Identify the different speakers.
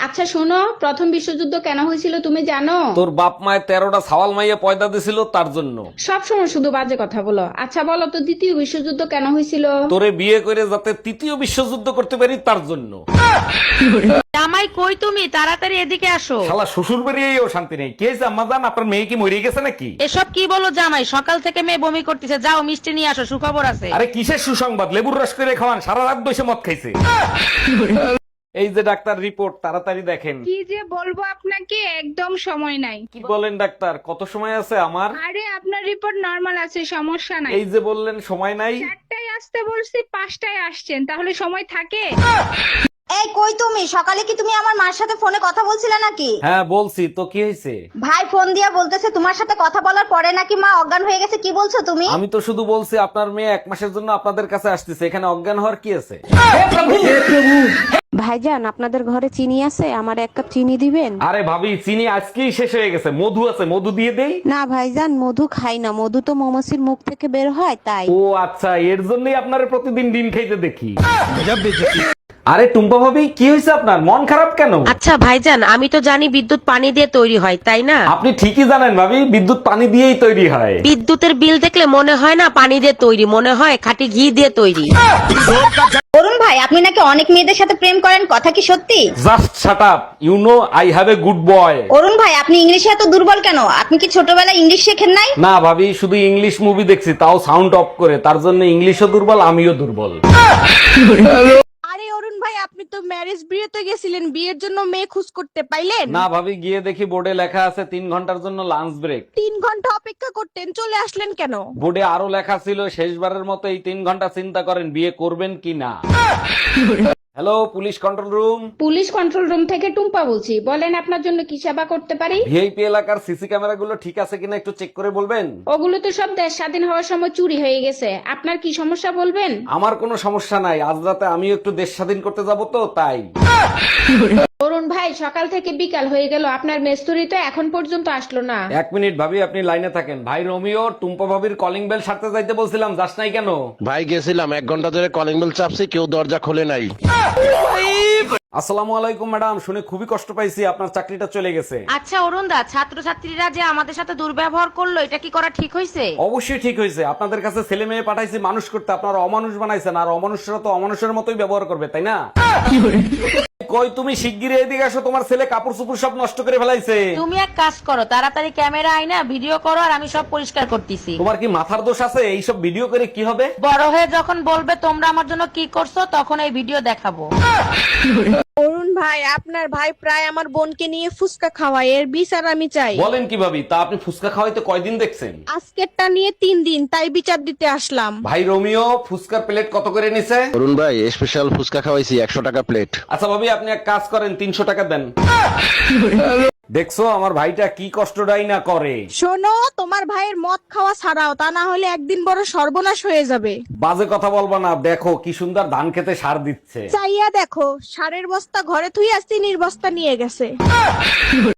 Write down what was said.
Speaker 1: আচ্ছা শোনো, প্রথম বিশ্বযুদ্ধ কেন হয়েছিল তুমি জানো?
Speaker 2: তোর বাপ মায়ের 13টা সাওয়াল মাইয়া পয়দা দিছিল তার জন্য।
Speaker 1: সব সময় শুধু বাজে কথা বলো। আচ্ছা বলো তো, দ্বিতীয় বিশ্বযুদ্ধ কেন হয়েছিল?
Speaker 2: তোরে বিয়ে করে যাতে তৃতীয় বিশ্বযুদ্ধ করতে পারি তার জন্য।
Speaker 3: জামাই কই তুমি? তাড়াতাড়ি এদিকে আসো।
Speaker 2: শালা শ্বশুর বাড়িয়েও শান্তি নেই। কে জাম্মা আম্মাজান, আপনার মেয়ে কি মরে গেছে নাকি?
Speaker 3: এসব কি বলো জামাই? সকাল থেকে মেয়ে বমি করতেছে, যাও মিষ্টি নিয়ে আসো, সুখবর আছে।
Speaker 2: আরে কিসের সুসংবাদ? লেবুর রস করে খাওয়ান, সারা রাত বসে মদ খাইছে। এই যে ডাক্তার রিপোর্ট, তাড়াতাড়ি দেখেন।
Speaker 4: কি যে বলবো আপনাকে, একদম সময় নাই।
Speaker 2: কি বলেন ডাক্তার, কত সময় আছে আমার?
Speaker 4: আরে আপনার রিপোর্ট নরমাল আছে, সমস্যা নাই।
Speaker 2: এই যে বললেন সময় নাই।
Speaker 4: 4টায় আসতে বলছি, 5টায় আসছেন, তাহলে সময় থাকে?
Speaker 5: এই কই তুমি? সকালে কি তুমি আমার মার সাথে ফোনে কথা বলছিলে নাকি?
Speaker 2: হ্যাঁ বলছি তো, কি হয়েছে?
Speaker 5: ভাই ফোন দিয়া বলতেছে তোমার সাথে কথা বলার পরে নাকি মা অজ্ঞান হয়ে গেছে। কি বলছো তুমি?
Speaker 2: আমি তো শুধু বলছি আপনার মেয়ে 1 মাসের জন্য আপনাদের কাছে আসতেছে, এখানে অজ্ঞান হওয়ার কি আছে?
Speaker 6: ভাইজান আপনাদের ঘরে চিনি আছে? আমার 1 কাপ চিনি দিবেন?
Speaker 2: আরে ভাবি, চিনি আজকেই শেষ হয়ে গেছে। মধু আছে, মধু দিয়ে দেই।
Speaker 6: না ভাইজান, মধু খাই না, মধু তো মৌমাছির মুখ থেকে বের হয় তাই।
Speaker 2: ও আচ্ছা, এর জন্যই আপনার প্রতিদিন ডিম খাইতে দেখি। আরে টুম্পা ভাবি, কি হয়েছে আপনার? মন খারাপ কেন?
Speaker 3: আচ্ছা ভাইজান, আমি তো জানি বিদ্যুৎ পানি দিয়ে তৈরি হয়, তাই না?
Speaker 2: আপনি ঠিকই জানেন ভাবি, বিদ্যুৎ পানি দিয়েই তৈরি হয়।
Speaker 3: বিদ্যুতের বিল দেখলে মনে হয় না পানি দিয়ে তৈরি, মনে হয় খাঁটি ঘি দিয়ে তৈরি।
Speaker 5: অরুণ ভাই আপনি নাকি অনেক মেয়েদের সাথে প্রেম করেন, কথা কি সত্যি?
Speaker 2: Just shut up, you know I have a good boy.
Speaker 5: Arun ভাই আপনি ইংলিশে এত দুর্বল কেন? আপনি কি ছোটবেলায় ইংলিশ শেখেন নাই?
Speaker 2: না ভাবি, শুধু ইংলিশ মুভি দেখছি, তাও সাউন্ড অফ করে। তার জন্য ইংলিশও দুর্বল, আমিও দুর্বল।
Speaker 6: আরে অরুণ ভাই, আপনি তো ম্যারেজ বিয়েতে গেছিলেন, বিয়ের জন্য মেয়ে খোঁজ করতে পাইলেন?
Speaker 2: না ভাবি, গিয়ে দেখি বোর্ডে লেখা আছে 3 ঘন্টার জন্য লাঞ্চ ব্রেক।
Speaker 6: 3 ঘন্টা অপেক্ষা করতেন, চলে আসলেন কেন?
Speaker 2: বোর্ডে আরো লেখা ছিল শেষবারের মতো এই 3 ঘন্টা চিন্তা করেন বিয়ে করবেন কি না। Hello, police control room.
Speaker 1: Police control room থেকে টুম্পা বলছি, বলেন আপনার জন্য কি সেবা করতে পারি?
Speaker 2: ভিআইপি এলাকার সিসি ক্যামেরা গুলো ঠিক আছে কিনা একটু চেক করে বলবেন?
Speaker 1: ওগুলো তো সব দেশ স্বাধীন হওয়ার সময় চুরি হয়ে গেছে। আপনার কি সমস্যা বলবেন?
Speaker 2: আমার কোনো সমস্যা নাই, আজ রাতে আমিও একটু দেশ স্বাধীন করতে যাব তো তাই।
Speaker 1: অরুণ ভাই, সকাল থেকে বিকাল হয়ে গেল, আপনার মেস্তুরি তো এখন পর্যন্ত আসলো না।
Speaker 2: 1 মিনিট ভাবি, আপনি লাইনে থাকেন। ভাই রোমিও, টুম্পা ভাবির কলিং বেল সারতে যাইতে বলছিলাম, যাস নাই কেন?
Speaker 7: ভাই গেছিলাম, 1 ঘন্টা ধরে কলিং বেল চাপছি, কেউ দরজা খোলে নাই।
Speaker 2: আসসালামু আলাইকুম ম্যাডাম, শুনে খুবই কষ্ট পাইছি, আপনার চাকরিটা চলে গেছে।
Speaker 3: আচ্ছা অরুণদা, ছাত্রছাত্রীরা যে আমাদের সাথে দুর্ব্যবহার করলো, এটা কি করা ঠিক হয়েছে?
Speaker 2: অবশ্যই ঠিক হয়েছে। আপনাদের কাছে ছেলে মেয়ে পাঠাইছি মানুষ করতে, আপনারা অমানুষ বানাইছেন। আর অমানুষরা তো অমানুষের মতোই ব্যবহার করবে, তাই না? কই তুমি শিগগিরই এদিকে আসো, তোমার ছেলে কাপড় চোপড় সব নষ্ট করে ফেলাইছে।
Speaker 3: তুমি এক কাজ করো, তাড়াতাড়ি ক্যামেরা আইনা ভিডিও করো, আর আমি সব পরিষ্কার করতেছি।
Speaker 2: তোমার কি মাথার দোষ আছে? এইসব ভিডিও করে কি হবে?
Speaker 3: বড় হয়ে যখন বলবে তোমরা আমার জন্য কি করছো, তখন এই ভিডিও দেখাবো।
Speaker 6: অরুণ ভাই, আপনার ভাই প্রায় আমার বোনকে নিয়ে ফুসকা খাওয়ায়, এর বিচার আমি চাই।
Speaker 2: বলেন কি ভাবি, তা আপনি ফুচকা খাওয়াইতে কয়দিন দেখছেন?
Speaker 6: আজকেরটা নিয়ে 3 দিন, তাই বিচার দিতে আসলাম।
Speaker 2: ভাই রোমিও, ফুচকার প্লেট কত করে নিছে?
Speaker 7: অরুণ ভাই স্পেশাল ফুচকা খাওয়াইছি, 100 টাকা প্লেট।
Speaker 2: আচ্ছা ভাবি, আপনি এক কাজ করেন, 300 টাকা দেন। দেখছো আমার ভাইটা কি কষ্টটাই না করে।
Speaker 6: শোনো, তোমার ভাইয়ের মদ খাওয়া ছাড়াও, তা না হলে একদিন বড় সর্বনাশ হয়ে যাবে।
Speaker 2: বাজে কথা বলবা না, দেখো কি সুন্দর ধান খেতে সার দিচ্ছে।
Speaker 6: চাইয়া দেখো, সারের বস্তা ঘরে থুই আসছি, নির্বস্তা নিয়ে গেছে।